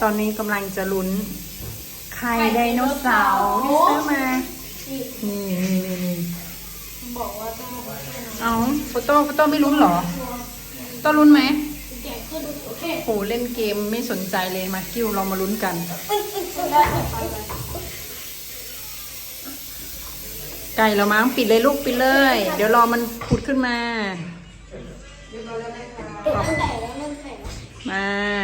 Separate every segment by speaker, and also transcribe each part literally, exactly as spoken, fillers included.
Speaker 1: ตอนนี้กำลังจะลุ้นไข่ไดโนเสาร์ที่ซื้อมา นี่นี่นี่นี่
Speaker 2: บอกว่าต้องบอกว่า
Speaker 1: เอาโฟโต้โฟโต้ไม่ลุ้นเหรอต้องลุ้นไหม
Speaker 2: แกะขึ้นโอเค
Speaker 1: โหเล่นเกมไม่สนใจเลยมากิ้วเรามาลุ้นกัน
Speaker 2: ได้ไปเลย
Speaker 1: ไก่เรามั้งปิดเลยลูกปิดเลย เดี๋ยวรอมันผุดขึ้นมา
Speaker 2: เอ๊ะมันแตกแล้วมันแตก
Speaker 1: มา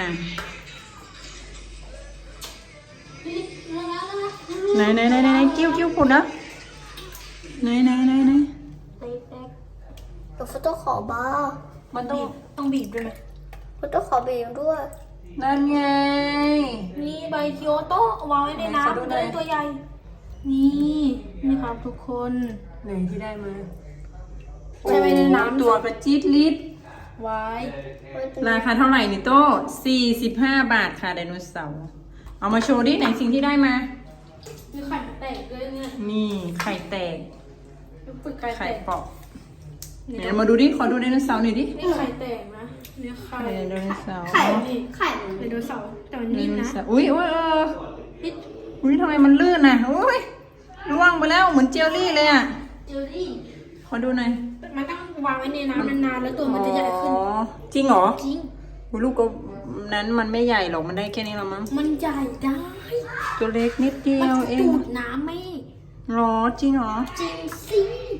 Speaker 1: ไหนไหนไหนไหนกิ้วกิ้วผุดนะไหนไหนไหนไหน
Speaker 2: ไอ้แป๊กเดี๋ยวโฟโต้ขอบ้า
Speaker 1: มันต้อง
Speaker 2: ต้องบีบด้วยไหมโฟโต้ขอบีบด้วย
Speaker 1: นั่นไง
Speaker 2: นี่ใบเคียวโต้วางไว้ในน้ำมันจะได้ตัวใหญ่ นี่นี่ครับทุกคน
Speaker 1: ไหนที่ได้มา
Speaker 2: ใช้ไว้ในน้ำ
Speaker 1: ตัวกระจิตลิตร
Speaker 2: ไว้
Speaker 1: ราคาเท่าไหร่นี่โต้สี่สิบห้าบาทค่ะไดโนเสาร์เอามาโชว์ดิไหนสิ่งที่ได้มา
Speaker 2: มีไข่แตกด้วยเนี่ย
Speaker 1: นี่ไข่แตก
Speaker 2: ฝึกไข่แต
Speaker 1: ไข่
Speaker 2: ก
Speaker 1: เปาะไหนมาดูดิขอดูไดโนเสาร์หน่อยดิ
Speaker 2: นี่ไข่แตกนะนี่ไข่
Speaker 1: ไข่ไดโนเสาร์
Speaker 2: ไข่นี่ไข่ไดโนเสาร์แต่มัน
Speaker 1: ได
Speaker 2: นิ่ม
Speaker 1: โน
Speaker 2: นะ
Speaker 1: เสาร์อุ้ยอุ้ยเออ
Speaker 2: นี่
Speaker 1: อุ้ยทำไมมันลื่นน่ะอุ้ยร่วงไปแล้วเหมือนเจลลี่เลยอ่ะ
Speaker 2: เจลลี่
Speaker 1: ขอดูหน่อย
Speaker 2: มันต้องวางไว้ในน้ำนานๆแล้วตัวมันจะใหญ่ขึ้น
Speaker 1: อ๋อจริงเหรอ
Speaker 2: จริง
Speaker 1: อุ๊ยลูกก็นั้นมันไม่ใหญ่หรอกมันได้แค่นี้ละมั้ง
Speaker 2: มันใหญ่ได้
Speaker 1: ตัวเล็กนิดเดี
Speaker 2: มัน
Speaker 1: ยว
Speaker 2: จะ
Speaker 1: เอ
Speaker 2: ดู
Speaker 1: ง
Speaker 2: ดน้ำไหม
Speaker 1: หรอจริงเหรอ
Speaker 2: จริงสิ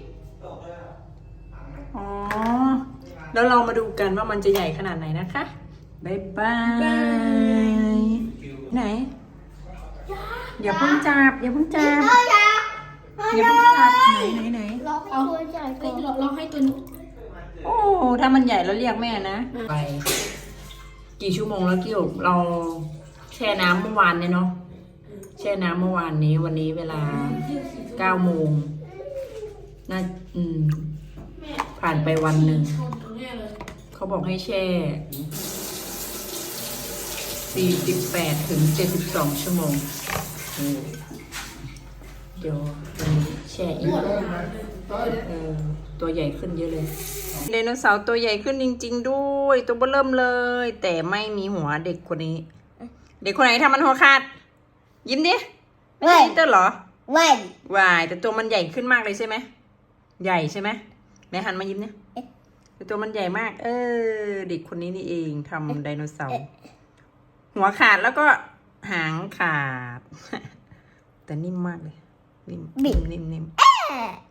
Speaker 1: อ๋อ แล้วเรามาดูกันว่ามันจะใหญ่ขนาดไหนนะคะบ๊ายบายไหน อย่าเพิ่งจับ อย่าเพิ่งจับ อย่าเพิ่งจับ ไหนไหนไหน
Speaker 2: ลองเอาตัวใหญ่ก่อนลองให้ตัวนี้
Speaker 1: โอ้ ถ้ามันใหญ่แล้วเรียกแม่นะ ไป กี่ชั่วโมงแล้วกิ้วเราแช่น้ำเมื่อวานเนี่ยเนาะ แช่น้ำเมื่อวานนี้ วันนี้เวลาเก้าโมงน่าอืม ผ่านไปวันหนึ่ง เขาบอกให้แช่สี่สิบแปดถึงเจ็ดสิบสองชั่วโมงเออเดี๋ยววันนี้แช่อีกเออตัวใหญ่ขึ้นเยอะเลยไดโนเสาร์ตัวใหญ่ขึ้นจริงๆด้วย ตัวเบ้อเริ่มเลย แต่ไม่มีหัวเด็กคนนี้ เด็กคนไหนทำมันหัวขาด ยิ้มดิไม่ใช่อินเตอร์เหรอ
Speaker 2: ไม่
Speaker 1: วายแต่ตัวมันใหญ่ขึ้นมากเลยใช่ไหมใหญ่ใช่ไหมไหนหันมายิ้มเนี่ยแต่ตัวมันใหญ่มาก เออเด็กคนนี้นี่เองทำไดโนเสาร์หัวขาดแล้วก็หางขาด แต่นิ่มมากเลยนิ่มนิ่มนิ่มนิ่ม